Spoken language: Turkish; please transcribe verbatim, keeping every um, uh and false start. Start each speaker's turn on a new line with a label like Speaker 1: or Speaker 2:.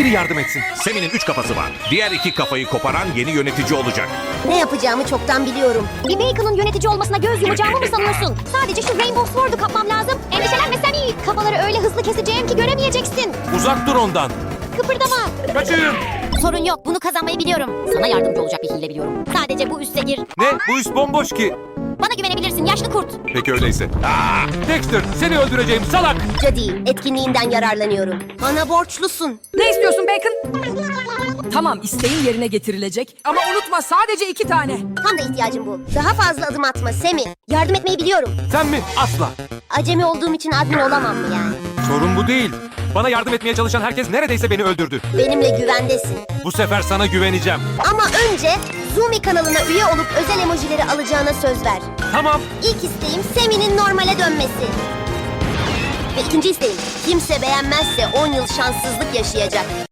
Speaker 1: biri yardım etsin.
Speaker 2: Semi'nin üç kafası var. Diğer iki kafayı koparan yeni yönetici olacak.
Speaker 3: Ne yapacağımı çoktan biliyorum.
Speaker 4: Bir Bacon'ın yönetici olmasına göz yumacağımı mı sanıyorsun? Sadece şu Rainbow Sword'u kapmam lazım. Endişelenme Sammy. Kafaları öyle hızlı keseceğim ki göremeyeceksin.
Speaker 1: Uzak dur ondan.
Speaker 4: Kıpırdama.
Speaker 1: Kaçın.
Speaker 4: Sorun yok. Bunu kazanmayı biliyorum. Sana yardımcı olacak bir hile biliyorum. Sadece bu üste gir.
Speaker 1: Ne? Bu üst bomboş ki.
Speaker 4: Bana güvenebilirsin yaşlı kurt.
Speaker 1: Peki öyleyse. Dexter, seni öldüreceğim salak.
Speaker 3: Jody, etkinliğinden yararlanıyorum. Bana borçlusun.
Speaker 5: Ne istiyorsun Bacon? Tamam, isteğin yerine getirilecek. Ama unutma, sadece iki tane.
Speaker 3: Tam da ihtiyacım bu. Daha fazla adım atma Semi. Yardım etmeyi biliyorum.
Speaker 1: Sen mi? Asla.
Speaker 3: Acemi olduğum için admin olamam mı yani?
Speaker 1: Sorun bu değil. Bana yardım etmeye çalışan herkes neredeyse beni öldürdü.
Speaker 3: Benimle güvendesin.
Speaker 1: Bu sefer sana güveneceğim.
Speaker 3: Ama önce Zumi kanalına üye olup özel emojileri alacağına söz ver.
Speaker 1: Tamam.
Speaker 3: İlk isteğim Semi'nin normale dönmesi. Ve ikinci isteğim kimse beğenmezse on yıl şanssızlık yaşayacak.